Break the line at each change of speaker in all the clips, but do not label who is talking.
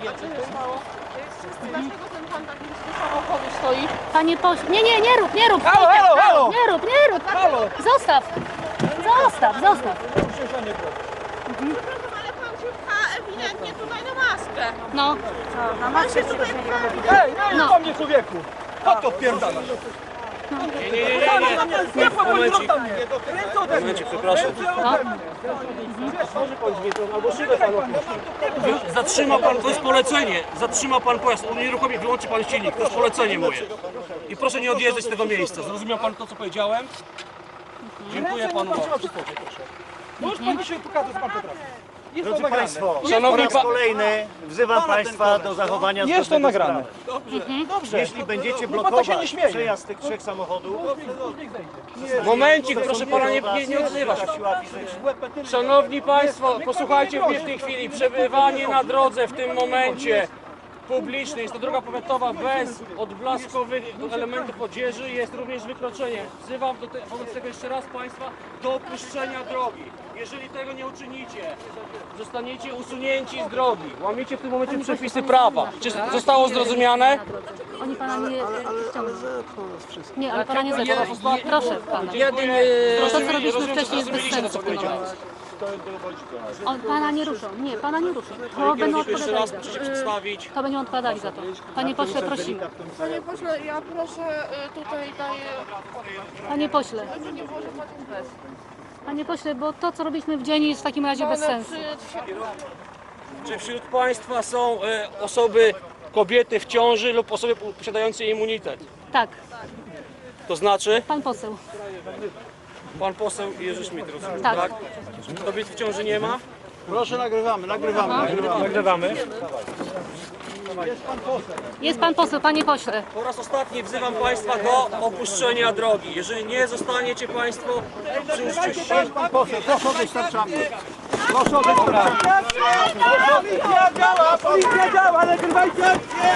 Dlaczego ten pan tak blisko samochodu stoi?
Panie pośle, nie rób!
Halo!
Nie rób! Zostaw!
Przepraszam, ale pan się pcha ewidentnie tutaj na maskę.
No,
Pan się tutaj pcha ewidentnie.
Nie mnie człowieku! Po to wpierdalasz? Nie,
Momencik, przepraszam. Zatrzyma pan, to jest polecenie. Zatrzyma pan pojazd, unieruchomi, wyłączy pan silnik, to jest polecenie moje. I proszę nie odjeżdżać z tego miejsca. Zrozumiał pan to, co powiedziałem? Dziękuję panu bardzo.
Możesz pan dzisiaj pokazać, pan potrafi. Jest to
Drodzy
nagrane.
Państwo,
Szanowni
po raz kolejny wzywam Państwa do zachowania
Jest to
zgodnego z
nagrane.
prawem.
Dobrze.
Jeśli będziecie
No bo to się
blokować
nie śmieje.
przejazd tych trzech samochodów,
Momencik, proszę pana, nie odzywa się.
siła fizyczna.
Szanowni Państwo, posłuchajcie mnie w tej chwili. Przebywanie na drodze w tym momencie publicznej, jest to droga powiatowa bez odblaskowych elementów odzieży, jest również wykroczenie. Wzywam wobec tego jeszcze raz Państwa do opuszczenia drogi. Jeżeli tego nie uczynicie, zostaniecie usunięci z drogi. Łamiecie w tym momencie przepisy prawa. Czy zostało zrozumiane?
oni pana nie ściągną. Nie, ale pana nie zepchną. Proszę pana. To, co robiliśmy wcześniej, jest bez sensu w tym momencie. Pana nie ruszą. Nie, pana nie ruszą. To będą
Jeszcze raz
odpowiadali.
proszę się przedstawić.
To będą odpowiadali za to. Panie pośle, prosimy.
Panie pośle, ja proszę tutaj daję...
Panie pośle.
Nie może pan bez.
Panie pośle, bo to, co robiliśmy w dzień, jest w takim razie bez sensu.
Czy wśród Państwa są osoby, kobiety w ciąży lub osoby posiadające immunitet?
Tak,
To znaczy
pan poseł.
pan poseł Jerzy Schmidt, rozumiem,
Tak.
tak? Kobiet w ciąży nie ma?
Proszę, nagrywamy.
Jest pan poseł, panie pośle.
Po raz ostatni wzywam Państwa do opuszczenia drogi. Jeżeli nie zostaniecie Państwo przy użyciu sił...
Pan poseł, proszę odejść na czapkę. Proszę odejść na czapkę. Policja działa, nagrywajcie akcję!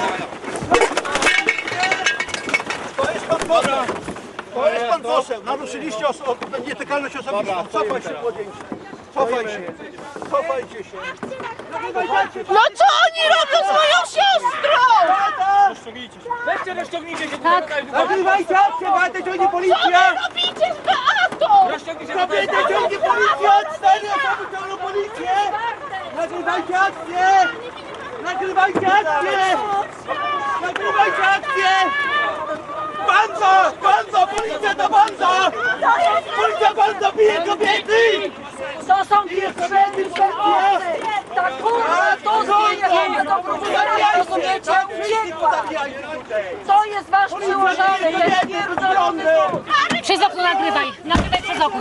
To jest pan poseł. To jest pan poseł. Naruszyliście nietykalność osobistą. Cofaj się, młodzieńcze. Cofaj się. Cofajcie się.
No co oni robią z moją siostrą?
Weźcie, rozciągnijcie się!
Tak.
Nagrywajcie akcję, Beatę ciągnie policja!
Robicie z Beatą!
Rozciągnijcie się!
Kobietę ciągnie policja! 4 osoby ciągną policję! Nagrywajcie akcję! Nagrywajcie akcję! Nagrywajcie akcję! Banda! Banda! Policja to banda! Policja banda bije kobiety!
To są pieprzeni kobiety! Ta kurwa to zmienia do prowokacji, rozumiecie? Uciekła! To jest wasz przełożony, jest pierdolony!
Przez okno nagrywaj. Nagrywaj przez okno.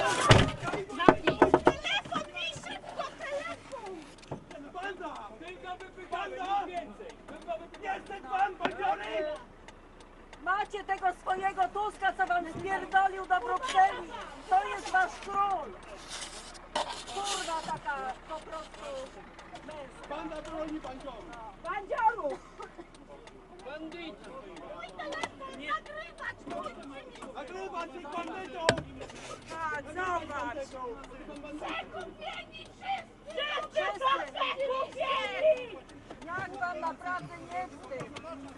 Jesteś pan bandziony!
Macie tego swojego Tuska, co wam spierdolił do Brukseli! To jest wasz król! Kurwa taka po prostu męska!
Banda broni bandziorów!
Bandziorów!
Nagrywać ich bandytą!
Tak, zobacz! Jak wam naprawdę nie wstyd?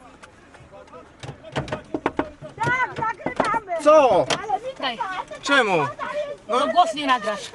Tak, nagrywamy!
Co?
Daj.
Czemu?
No głos nie nagrasz.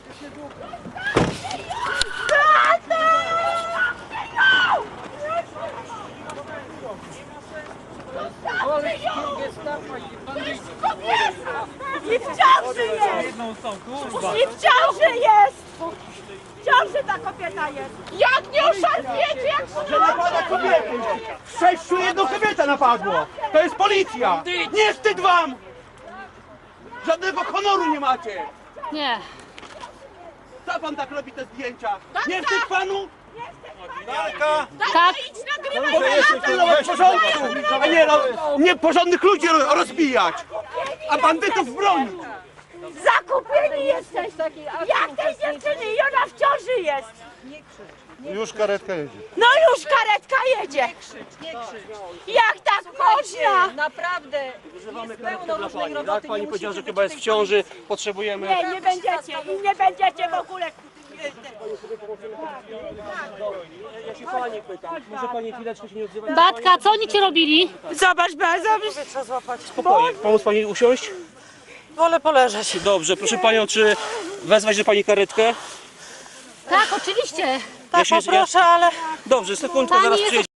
I w ciąży jest! I w ciąży jest! W ciąży ta kobieta jest!
Jak nie oszarpiecie, jak
Że napada kobiety! 6 jedną kobietę napadło! To jest policja! Nie wstyd wam! Żadnego honoru nie macie!
Nie.
Co pan tak robi te zdjęcia? Nie wstyd panu?
Tak.
Pilnować porządku, a nie nieporządnych ludzi rozbijać, a bandytów bronić.
Zakupieni jesteś! Jak tej dziewczyny i ona w ciąży jest!
Już karetka jedzie.
No już karetka jedzie! Jak tak można?
Naprawdę! Wzywamy karetkę dla pani, tak? Pani powiedziała, że chyba jest w ciąży, potrzebujemy...
Nie będziecie i nie będziecie w ogóle.
Ja się pani pytam. Może pani chwileczkę się nie odzywać?
Batka, co oni ci robili?
Zobacz, zobacz. Trzeba złapać.
Spokojnie. Pomóc pani usiąść?
Wolę poleżeć.
Dobrze, proszę panią, czy wezwać do pani karetkę?
Tak, oczywiście.
Tak, poproszę, ale...
Dobrze, sekundkę,
Pani
zaraz
jest
przyjedzie.